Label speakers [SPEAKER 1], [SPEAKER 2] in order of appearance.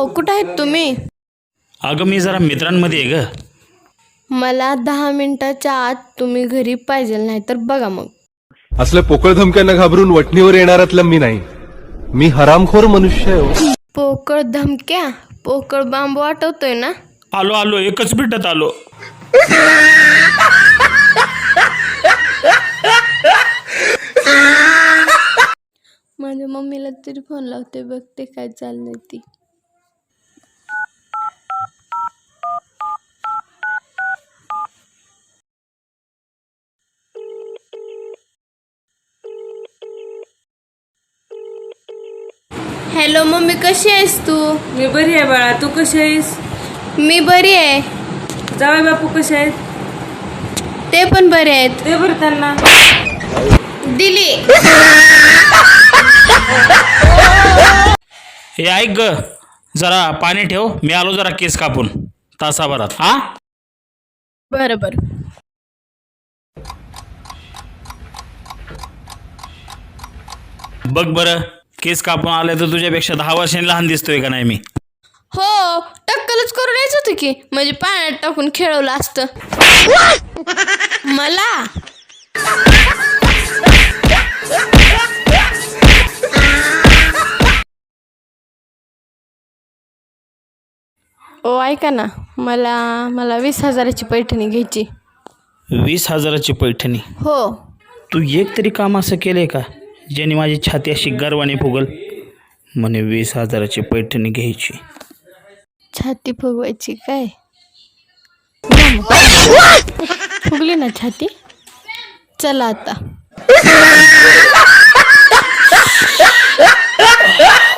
[SPEAKER 1] कुठं आहेत तुम्ही?
[SPEAKER 2] अगं मी जरा मित्रांमध्ये आहे ग.
[SPEAKER 1] मला 10 मिनिटाच्या आत तुम्ही घरी पाहिजे, नाही तर बघा मग.
[SPEAKER 3] असल्या पोकळ धमक्यांना घाबरून वटणीवर येणाऱ्यातला मी नाही. मी हरामखोर मनुष्य आहे.
[SPEAKER 1] पोकळ धमक्या, पोकळ बांबू आठवतोय ना?
[SPEAKER 2] आलो आलो, एकच मिनिटात आलो.
[SPEAKER 1] माझ्या मम्मीला तरी फोन लावते, बघते काय चाललंय ती. हॅलो मम्मी, कशी आहेस तू?
[SPEAKER 4] मी बरी आहे बाळा, तू कशी आहेस?
[SPEAKER 1] मी बरी आहे.
[SPEAKER 4] जावई बापू कसे आहेत?
[SPEAKER 1] ते पण बरे आहेत.
[SPEAKER 4] ते बरं त्यांना.
[SPEAKER 1] दिली.
[SPEAKER 2] हे ऐक ग, जरा पाणी ठेव, मी आलो जरा केस कापून तासाभरात. हा
[SPEAKER 1] बरं बरं.
[SPEAKER 2] बघ बरं, केस कापून आले तर तुझ्यापेक्षा 10 वर्षांनी लहान दिसतोय का नाही मी?
[SPEAKER 1] हो, टक्कलच करून यायचं होतं की, म्हणजे पाण्यात टाकून खेळवलं असतं मला. ओ ऐका ना, मला 20,000ची पैठणी घ्यायची.
[SPEAKER 2] 20,000ची पैठणी?
[SPEAKER 1] हो.
[SPEAKER 2] तू एक तरी काम असं केलंय का ज्याने माझी छाती अशी गर्वाने फुगल? म्हणे 20,000ची पैठणी घ्यायची.
[SPEAKER 1] छाती फुगवायची काय? फुगली ना छाती. चला आता.